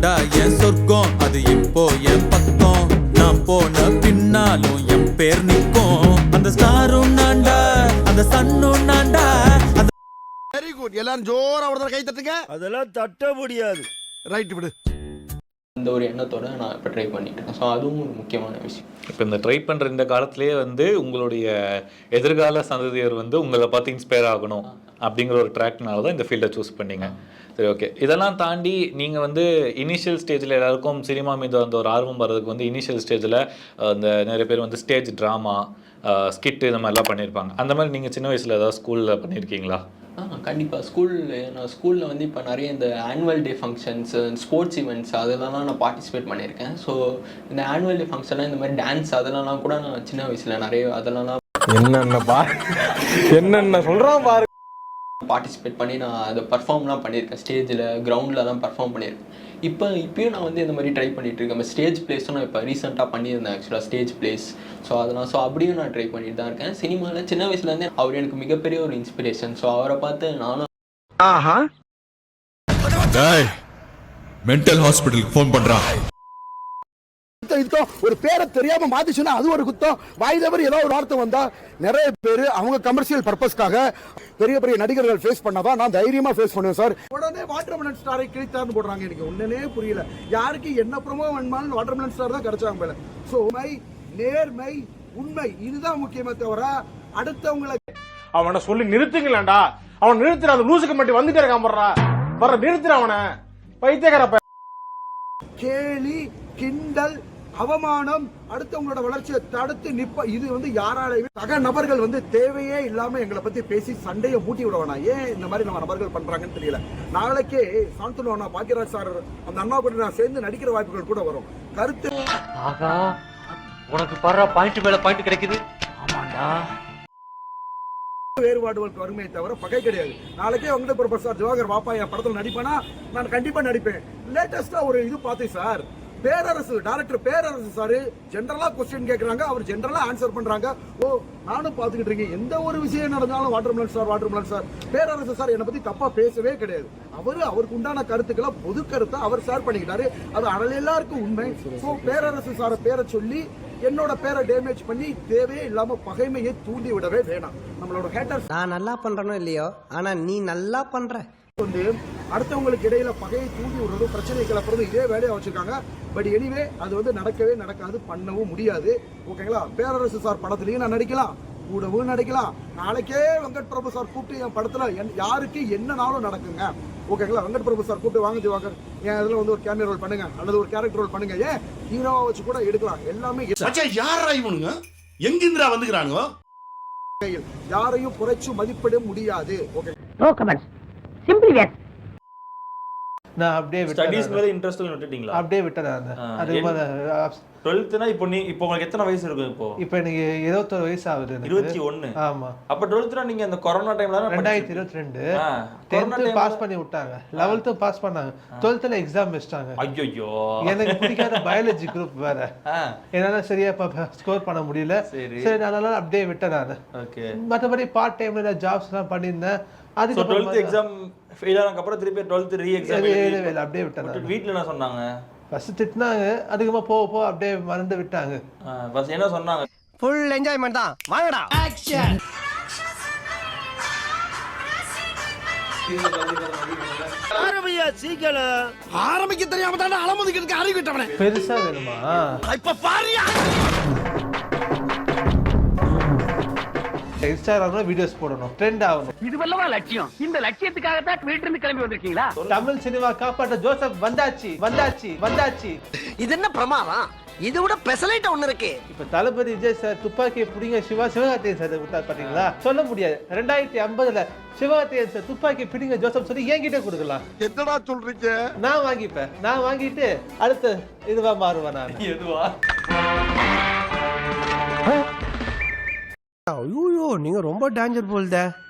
தாண்டா என் சொர்க்கம், அது இப்போ என் பக்கம். நான் போன பின்னாலும் என் பேர் நிற்கும். அந்த ஸ்டாரும் நான்டா, அந்த சன்னும் நான்டா. Very good. எல்லாரும் ஜோரா ஒரு கை தட்டுங்க. அதெல்லாம் தட்ட முடியாது. ரைட் விடு. இந்த ஒரு எண்ணத்தோட நான் இப்போ ட்ரை பண்ணிட்டேன். ஸோ அதுவும் ஒரு முக்கியமான விஷயம். இப்போ இந்த ட்ரை பண்ணுற இந்த காலத்திலேயே வந்து உங்களுடைய எதிர்கால சந்ததியர் வந்து உங்களை பார்த்து இன்ஸ்பயர் ஆகணும் அப்படிங்கிற ஒரு ட்ராக்னால தான் இந்த ஃபீல்டை சூஸ் பண்ணீங்க. சரி, ஓகே. இதெல்லாம் தாண்டி நீங்கள் வந்து இனிஷியல் ஸ்டேஜில் எல்லாருக்கும் சினிமா மீது அந்த ஒரு ஆர்வம் வர்றதுக்கு வந்து இனிஷியல் ஸ்டேஜில் இந்த நிறைய பேர் வந்து ஸ்டேஜ் ட்ராமா, ஸ்கிட்டு இந்த மாதிரிலாம் பண்ணியிருப்பாங்க. அந்த மாதிரி நீங்கள் சின்ன வயசில் ஏதாவது ஸ்கூலில் பண்ணியிருக்கீங்களா? கண்டிப்பாக. நான் ஸ்கூலில் வந்து இப்போ நிறைய இந்த annual day functions, sports events அதெல்லாம் நான் பார்ட்டிசிபேட் பண்ணியிருக்கேன். ஸோ இந்த ஆனுவல் டே ஃபங்க்ஷன்லாம் இந்த மாதிரி டான்ஸ் அதெல்லாம் கூட நான் சின்ன வயசில் நிறைய அதெல்லாம் என்னென்ன சொல்கிறான் பாரு, பார்ட்டிசிபேட் பண்ணி நான் அதை பர்ஃபார்ம்லாம் பண்ணியிருக்கேன். ஸ்டேஜில் கிரவுண்டில் பர்ஃபார்ம் பண்ணியிருக்கேன். இப்போயும் நான் வந்து இந்த மாதிரி ட்ரை பண்ணிகிட்டு இருக்கேன். ஸ்டேஜ் பிளேஸும் நான் இப்போ ரீசெண்டாக பண்ணியிருந்தேன் ஆக்சுவலாக ஸ்டேஜ் பிளேஸ். ஸோ அப்படியும் நான் ட்ரை பண்ணிட்டு தான் இருக்கேன். சினிமாவில் சின்ன வயசுலேருந்தே அவர் எனக்கு மிகப்பெரிய ஒரு இன்ஸ்பிரேஷன். ஸோ அவரை பார்த்து நானும் மென்டல் ஹாஸ்பிட்டலுக்கு ஃபோன் பண்றான். ஒரு பேரை தெரியாம மாத்திச்சுன்னா அது ஒரு குத்தம். வாய் தவறி ஏதாவது ஒரு வார்த்தை வந்தா நிறைய பேர் அவங்க கமர்ஷியல் பர்பஸ்க்காக பெரிய பெரிய நடிகர்கள் ஃபேஸ் பண்ணாதான் நான் தைரியமா ஃபேஸ் பண்ணுவேன் சார். உடனே வாட்டர்மெலன் ஸ்டாரை கிழித்தார்னு போடுறாங்க. எனக்கு ஒண்ணுனே புரியல. யாருக்கு என்ன ப்ரோமோ வேணுமாலும் வாட்டர்மெலன் ஸ்டார் தான் கிடைச்சாங்க போல. சோ நேர்மை, உண்மை இதுதான் முக்கியமே தவிர அடுத்தவங்களை அவனை சொல்லி நிறுத்துங்களேன்டா. அவன் நிறுத்துற அந்த லூசுக்கு மட்டும் வந்துட்டே இருக்கான். வர்ற நிறுத்துற அவனை பைத்தியக்கார. கேலி, கிண்டல், அவமானம், அடுத்தவங்களோட வளர்ச்சியை தடுத்து நிப்ப இது வந்து யாராலையுமே சக நபர்கள் வந்து தேவையே இல்லாம எங்களை பத்தி பேசி சண்டையை மூட்டி விடுவானா. ஏன் இந்த மாதிரி நம்ம நபர்கள் பண்றாங்கன்னு தெரியல. நாளைக்கே சாந்தனு பாக்கியராஜ் சார் அந்த அண்ணா கூட நான் சேர்ந்து நடிக்கிற வாய்ப்புகள் கூட வரும். கருத்து உனக்கு பர்ற பாயிண்ட் மேல பாயிண்ட் கிடைக்குது. ஆமாண்டா, வேறுபாடுகளுக்கு வருமே தவிர பகை கிடையாது. நாளைக்கே வெங்கட் பிரபு சார் ஜோகர் வாப்பா என் படத்தில் நடிப்பேனா நான் கண்டிப்பா நடிப்பேன். லேட்டஸ்டா ஒரு இது பார்த்தேன் sir. Perarasu director Perarasu sir ஜெனரலா கொஸ்டின் கேட்கறாங்க, அவர் ஜெனரலா ஆன்சர் பண்றாங்க. ஓ நானும் பாத்துக்கிட்டு இருக்கேன். எந்த ஒரு விஷயம் நடந்தாலும் வாட்டர்மெலன் சார் பேரரசு சார் என்னை பத்தி தப்பா பேசவே கிடையாது. அவருக்கு உண்டான கருத்துக்களை பொது கருத்தை அவர் ஷேர் பண்ணிக்கிட்டாரு. அது எல்லாருக்கும் உண்மை. ஸோ பேரரசு சார பேரை சொல்லி என்னோட பேரை டேமேஜ் பண்ணி தேவையே இல்லாம பகைமையை தூண்டி விடவே வேணாம். நம்மளோட ஹேட்டர்ஸ் நான் நல்லா பண்றனோ இல்லையோ, ஆனா நீ நல்லா பண்ற வந்து அடுத்தவங்களுக்கு இடையில பகையை தூண்டி விடுறதும் பிரச்சனை கிளப்புறதும் இதே வேலையா வச்சிருக்காங்க. பட் எனிவே அது வந்து நடக்கவே நடக்காது, பண்ணவும் முடியாது. ஓகேங்களா? பேரரசு சார் படத்துலயும் நான் நடிக்கலாம், கூடவும் நடிக்கலாம். நாளைக்கே வெங்கட் பிரபு சார் கூப்பிட்டு என் படத்துல யாருக்கு என்னனாலும் நடக்குங்க. ஓகேங்களா? வெங்கட் பிரபு சார் கூப்பிட்டு வாங்க திவாகர் என் இதுல வந்து ஒரு கேமியா ரோல் பண்ணுங்க அல்லது ஒரு கேரக்டர் ரோல் பண்ணுங்க, ஏன் ஹீரோவா வச்சு கூட எடுக்கலாம். எல்லாமே யாரா இவனுங்க எங்கிந்திரா வந்துக்கிறானுங்க. யாரையும் குறைச்சு மதிப்பிட முடியாது. Okay, no comments, simply where. நான் அப்படியே ஸ்டடீஸ் மேல இன்ட்ரெஸ்ட் விட்டுட்டீங்களா? அப்படியே விட்டேன். அது 12th இப்போ உங்களுக்கு எத்தனை வயசு இருக்கும்? இப்போ எனக்கு 21 வயசு ஆகுது. 21. ஆமா. அப்ப 12th நீங்க அந்த கொரோனா டைம்ல 2022 10th பாஸ் பண்ணி விட்டாங்க, 11th பாஸ் பண்ணாங்க, 12th எக்ஸாம் வச்சிட்டாங்க. ஐயோ, எனக்கு பிடிக்காத பயாலஜி குரூப் வேற. என்னால சரியா ஸ்கோர் பண்ண முடியல. சரி அதனால அப்படியே விட்டேன் நான். ஓகே. மற்றபடி பார்ட் டைம்ல ஜாப்ஸ் எல்லாம் பண்ணியிருந்தேன். அதுக்கு 12th எக்ஸாம் ஃபெயில் ஆனதுக்கு அப்புறம் திருப்பி 12th ரீ எக்ஸாம் அப்படியே விட்டேன். வீட்ல என்ன சொன்னாங்க? ஃபர்ஸ்ட் திட்டினாங்க, அதுக்குமா போக அப்படியே மறந்து விட்டாங்க. ஃபர்ஸ்ட் என்ன சொன்னாங்க? ஃபுல் என்ஜாய்மென்ட் தான், வாங்கடா ஆக்ஷன். ஆரம்பியா சீக்கிரம். ஆரம்பிக்க தெரியாம தான் அலமுதிக்கிறதுக்கு அறிவு விட்டவனே. பெருசா வேணுமா? இப்ப பாரியா இன்ஸ்டாகிராம்ல வீடியோஸ் போடணும், ட்ரெண்ட் ஆகணும். இது வல்லவா லட்சியம். இந்த லட்சியத்துக்காக தான் வீட்ல இருந்து கிளம்பி வந்திருக்கீங்களா? தமிழ் சினிமா காப்பாற்ற ஜோசப் வந்தாச்சு. இது என்ன பிரமாதம்? இது விட பெசலைட் ஒண்ணு இருக்கு. இப்ப தளபதி விஜய் சார் துப்பாக்கியை பிடிங்க சிவகார்த்திகேயன் சார் விட்டார் பாத்தீங்களா? சொல்ல முடியாது. 2050 சிவகார்த்திகேயன் சார் துப்பாக்கி பிடிங்க ஜோசப் சொல்லி என்கிட்ட கொடுக்கலாம். என்னடா சொல்றீங்க? நான் வாங்கிப்பேன். நான் வாங்கிட்டு அடுத்த இதுவா மாறுவேன் நான். எதுவா? ஐயோ, நீங்க ரொம்ப டேஞ்சர் போல்த.